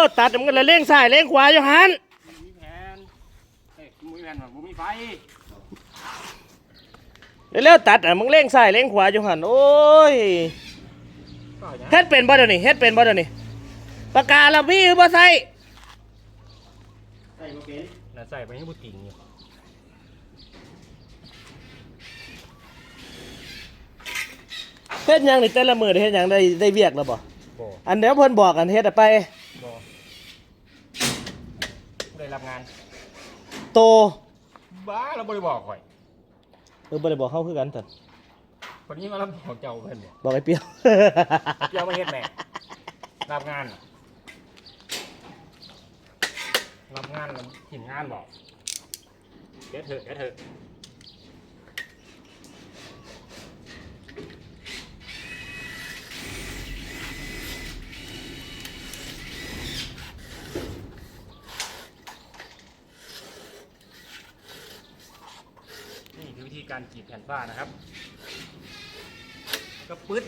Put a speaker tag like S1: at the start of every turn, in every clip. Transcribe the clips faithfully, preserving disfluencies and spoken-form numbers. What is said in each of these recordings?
S1: ตัดมันก็เลยเร่งซ้ายเร่งขวาอยู่หัน
S2: มีแผนเฮ้ยมีแผนว่าบ่มีไฟ
S1: เร็วๆตัดอ่ะมึงเร่งซ้ายเร่งขวาอยู่หันโอ้ยเฮ็ดเป็นบ่เดี๋ยวนี้เฮ็ดเป็นบ่เดี๋ยวนี้ปากกาเรามีหรือบ่ใส่
S2: ใส่บ่เป็นน่ะใส่ไปให้บ่ติ่งอยู่
S1: เฮ็ดหยังนี่แต่ละมื้อเฮ็ดหยังได้ได้เวียกแล้วบ่อันเดี๋ยวเพิ่นบอกกันเฮ็ดไป
S2: บ่ได้รับงาน
S1: โต
S2: บ้าเราบ่ได้บอกข่อย
S1: เออบ่ได้บอกเฮาคือกันซั่น
S2: คนนี้มารับบอกเจ้าเพิ่นบ่
S1: บอกไอ้เปียว
S2: เปียวมาเฮ็ดแม่รับงานรับงานแล้วหินงานบอกเฮ็ดเถอะเฮ็ดเถอะนี่คือวิธีการกรีดแผ่นฝ้านะครับก็ปึ๊ด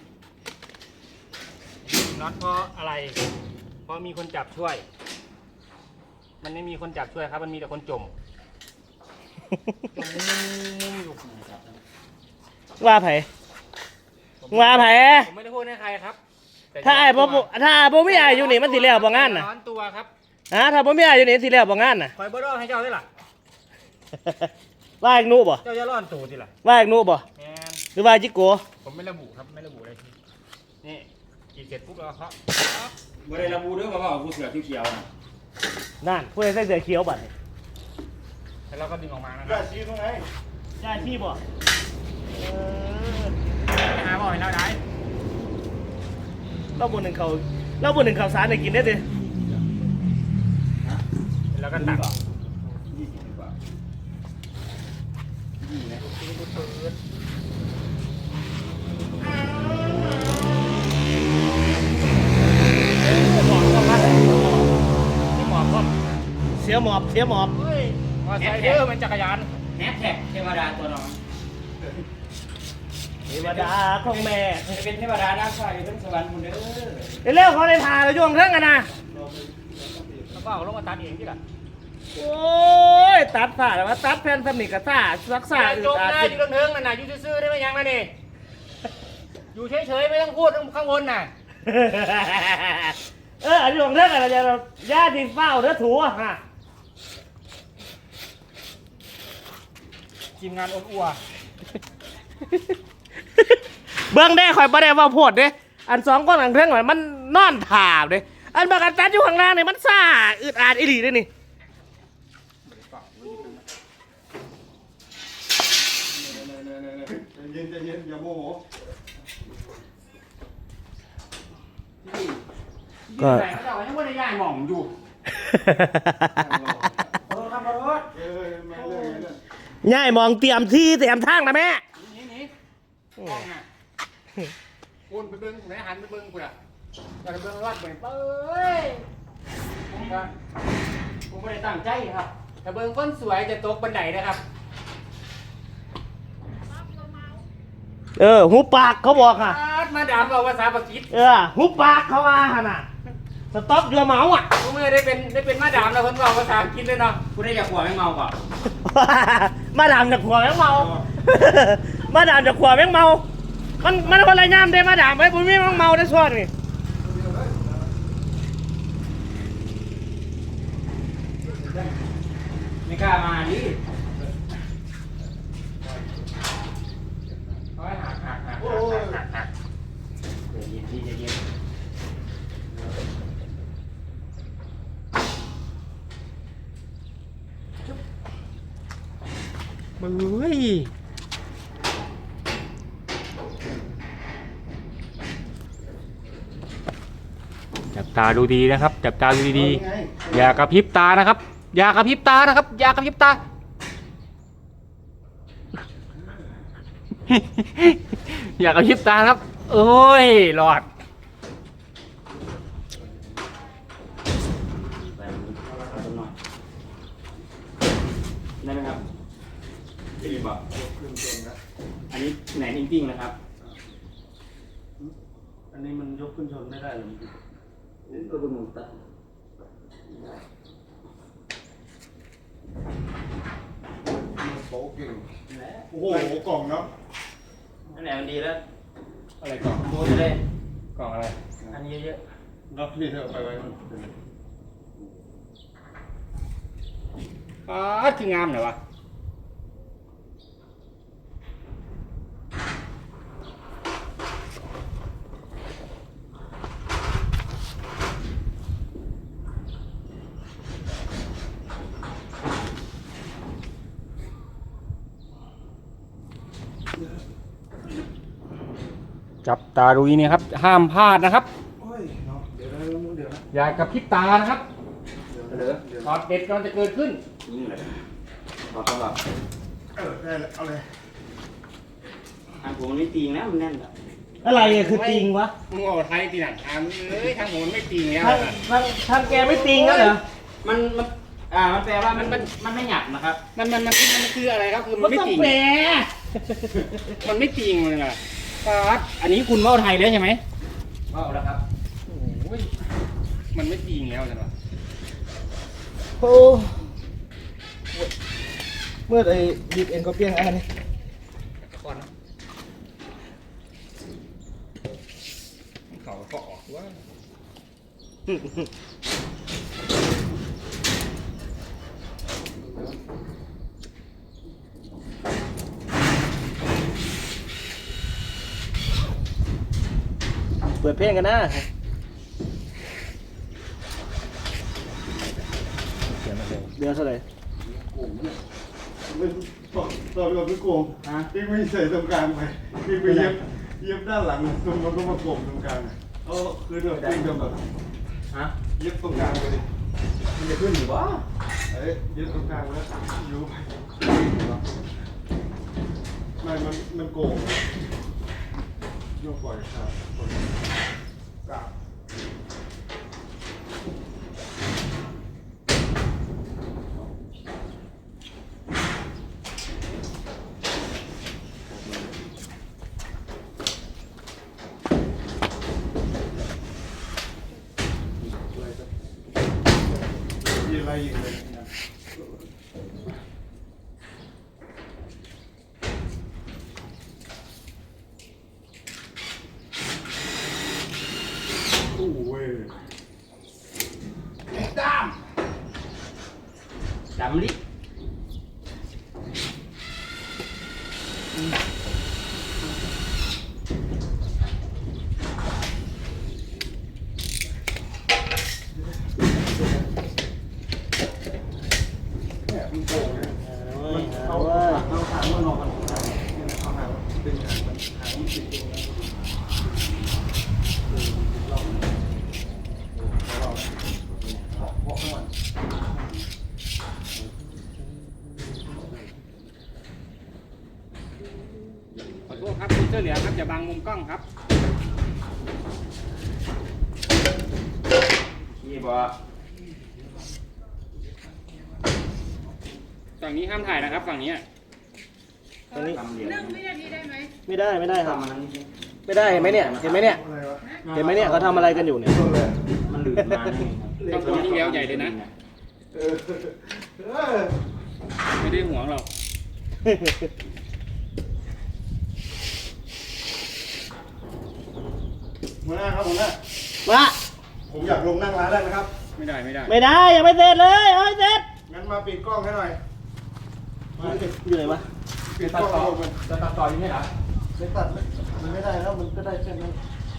S2: น็อตเพราะอะไรเพราะมีคนจับช่วยมันไม่มีคนจับช่วยครับมันมีแต่คนจมจมมุ้งอยู่
S1: ว่าไผว่าไผ
S2: ผมไม่ได้พูดให้ใครครับ
S1: ถ้าไอ้บ่ถ้าบ่มีอ้ายอยู่นี่มันสิแล้วบ่งานน่ะ
S2: ร้อนตัวครับ
S1: ฮะถ้าบ่มีอ้ายอยู่นี่สิแล้วบ่งานน่ะ
S2: คอยบ่รอให้เจ้าได้ล่ะ
S1: ว่าอีกหนูบ่
S2: เจ้าจะร้อนตัวสิล่ะ
S1: ว่าอีกหนูบ่
S2: แม่น
S1: หรือว่าจิโก
S2: ผมไม่ระบุครับไม่ระบุเลยนี่กินเสร็จปุ๊บแล้วเขาไม่ได้ระบุด้วยว่าผู้เสือเขียวๆนะ
S1: นั่นผู้ใดใส่เสื้อเขียวบัดนี้
S2: แล้วเราก็ดึงออกมานะค
S1: รั
S2: บ
S1: ย่าชี้ตรงไหนย่าชี้บ่เออ
S2: หาบ่อยแล้วได้
S1: เราบนหนึ่งเขาเราบนหนึ่งเขาสารได้กินได้ดิ
S2: แล้วก็ตัก
S1: เสียหมอบเสียหมอบ
S2: มอไซค์เด้อมันจักรยาน
S3: แฮชแท็กเทวดาตัวน้อง
S1: เทวดาของแม่
S3: จะเป็นเทวดาน้ำใสทั้งสวรรค์คุณเด้อ
S1: เร็วเขาได้ทาเราโยงเรื่องกันนะ
S2: แล้วก็เอาลงมาตัดเองที่ละ
S1: โอ้ยตัดผ้าแล้วมาตัดแผ่นสมิกกระซ่ารักษา
S2: อยู่ตรงหน้าอยู่ตรงเทิงนั่นน่ะอยู่ซื่อๆได้ไหมยังนะนี่อยู่เฉยๆไม่ต้องพูดข้างบนน่ะ
S1: เอออันนี้ของเรื่องอะไรจะญาติเฝ้าเด้อถูฮะ
S2: ทีมงานอ้วนอัว
S1: เบื้องได้คอยประเดี๋ยวว่าโพดเด้อันสองก้อนอันเครื่องหน่อยมันนอนถ่าเด้อันบางอันตัดอยู่ข้างล่างนี่มันซ่าอึดอัดอีหลีด้วยนี่
S4: เย็นเย็นอย่าโมโห
S2: ก็เขาจะยังไม่ได้ย้ายหม่องอยู่เออครับรถเออมาเลย
S1: ง่ายมองเตรียมที่เตรียมทางนะแม่
S2: นี่นี่กล้องอ่ะคุณไปเบิ้งไหนหันไปเบิ้งคุณอ่ะจะไปเบิ้งรอดไปเอ้ยผมก็ผมไม่ได้ตั้งใจครับแต่เบิ้งคนสวยจะตกบันไดนะครับ
S1: เออหูปากเขาบอกค่ะ
S2: มาดามเอาภาษาปากีส
S1: เออหูปากเขาว่าขนาดสต๊อกเรือเมาอ่ะ
S2: ผมไม่ได้เป็นได้เป็นมาดามแล้วคนบอกภาษาอังกฤษเลยเนาะ
S3: คุณได้จากหัวไม่เมาก่อน
S1: มาดามจากหัวแม่งเมามาดามจากหัวแม่งเมามันมันคนไรย่ำได้มาดามไว้ผมไม่แม่งเมาได้ส่วนนี่
S3: ไม่กล้ามาดิ
S2: โอ้ยหักหักหักหักหัก
S3: เย็นที่จะเย็น
S1: มึงเฮ้ย
S2: จับตาดูดีนะครับจับตาดูดีๆอย่ากระพริบตานะครับอย่ากระพริบตานะครับอย่ากระพริบตาอย่ากระพริบตาครับโอ้ยหลอด
S3: ได้ไหมครับดีป่ะอันนี้แหนมจริงๆนะครับ
S1: อันนี้มันยกขึ้นชนไม่ได้หรอ
S3: นี่ก็เป็นหมูตัด
S2: โป๊กกิ่ง
S3: นั่นแหละ
S2: โอ้โหกล่องเนาะ
S3: นั่นแหละมันดีแล้ว
S2: อะไรกล่อง
S3: โบจะได้
S2: กล่องอะไร
S3: อันนี้เยอะ
S2: น็อตนี่เธอไปไว้อ๋อคืองามเหรอวะจับตาดูนี่ครับห้ามพลาดนะครับ
S4: โอ้ยเนาะเดี๋ยวนะเดี๋ยวนะ
S2: อย่ากระพริบตานะครับ
S4: เดี๋ยวนะเดี๋ยว
S2: ช็อตเด็ดกำลังจะเกิดขึ้น
S3: ๆยิ่งเลยพอต้องแบบ
S4: เออได้แล้วเอาเลย
S3: ทางผมมันไม่ตีงนะมันแน่นอะ
S1: อะไรอะคือติงวะ
S2: มึงเอาไทยตีหนักทางเอ้ยทางผมมันไม่ตีแล้ว
S1: ทางทางทางแกไม่ติงแล้วเหรอ
S3: มันมันอ่ามันแปลว่ามันมันมันไม่หยับนะครับ
S2: มันมันมันมันคืออะไรครับคือมั
S1: มัน
S2: นไม่
S1: ต้อง
S2: ตี
S1: แปล
S2: มันไม่ตีเลยล่ะ
S3: ครับอันนี้คุณว่าวไทยแล้วใช่ไหมว่าวแล้วครับ
S2: โอ้ยมันไม่ตีแล้วจังหวะ
S1: โอ้เมื่อไอ้ดิบเอ็นก็เปี้ยงอันนี้
S2: ก่อนนะเขาก็ออกว่า
S1: เปิดเพลงกันนะเดือนเท่าไหร่
S4: ไม่ตอนตอนเราไม่โกงพี่ไม่ใส่ตรงกลางไปพี่ไปเย็บเย็บด้านหลังตรงมันก็มาโกงตรงกลางอ่ะเอาคือเดี๋ยวพี่จะแบบ
S3: ฮะ
S4: เย็บตรงกลางไปเลย
S3: มันจะขึ้นหรือวะ
S4: เอ้ยเย็บตรงกลางแล้วอยู่ไปไม่มันมันโกงโยกปล่อยครับปล่อยกราบ มีอะไรอีกเลยนะโอ้ย
S3: ดำลิ
S4: เนี่ยมันโกงเนี่ย
S1: มัน
S4: เอา
S1: เอาว่า
S4: เอาหางมันออกมันเอาหางดึงหางมันหางมันติดตรงนั้นเพาะข้างหลัง
S2: ขอโทษครับคุณเสื้อเหลืองครับอย่าบังมุมกล้องครับ
S3: นี่บอกว่า
S2: ฝั่งนี้ห้ามถ่ายนะครับฝั่งนี้
S1: ตรงนี้
S3: ทำเหรียญ
S5: นึ่งวินาทีได้ไหม
S1: ไม่ได้ไม่ได้ครับ
S3: ทำมันนั้นนี่
S1: ไม่ได้เห็นไหมเนี่ยเห็นไหมเนี่ย
S4: อะไรวะ
S1: เห็นไหมเนี่ยเขาทำอะไรกันอยู่เนี่ย
S4: ต้นเลย
S3: มันหลืดมานี่ครับ
S2: ต้องตัวที่แล้วใหญ่เลยนะ
S4: เออเออ
S2: ไม่ได้ห่วงหรอก
S4: หัวหน้าครับหัวหน้า
S1: มา
S4: ผมอยากลงนั่งร้านได้ไหมครับ
S2: ไม่ได้ไม่ได้
S1: ไม่ได้ยังไม่เสร็จเลยเอาให้เสร็จ
S4: งั้นมาปิดกล้องให้หน่อยมา
S1: อยู่ไหนวะ
S4: ปิดกล้องให้ผมมัน
S2: จะตัดต่อยังไงเหรอ
S4: ไม่ตัดไม่มันไม่ได้แล้วมันก็ได้แค่นั้น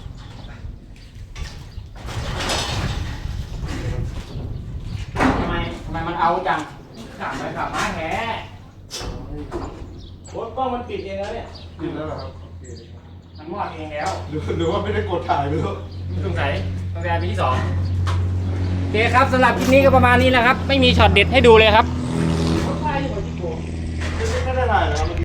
S3: ทำไมทำไมมันเอาจังขับไปขับมาแห
S1: โอ้ยกล้องมันปิดเองแล้วเนี่ย
S4: ปิดแล้วเหรอครับโอเค
S2: มันมอดเองแล้ว
S4: หรือหรือว่าไม่ได้กดถ่ายไม่รู้
S2: สงสัยตั้งแต่ปีที่สองโอเคครับสำหรับคลิปนี้ก็ประมาณนี้แหละครับ ไม่มีช็อตเด็ดให้ดูเลยครับ
S4: ไม่ได้ถ่ายเหรอครับ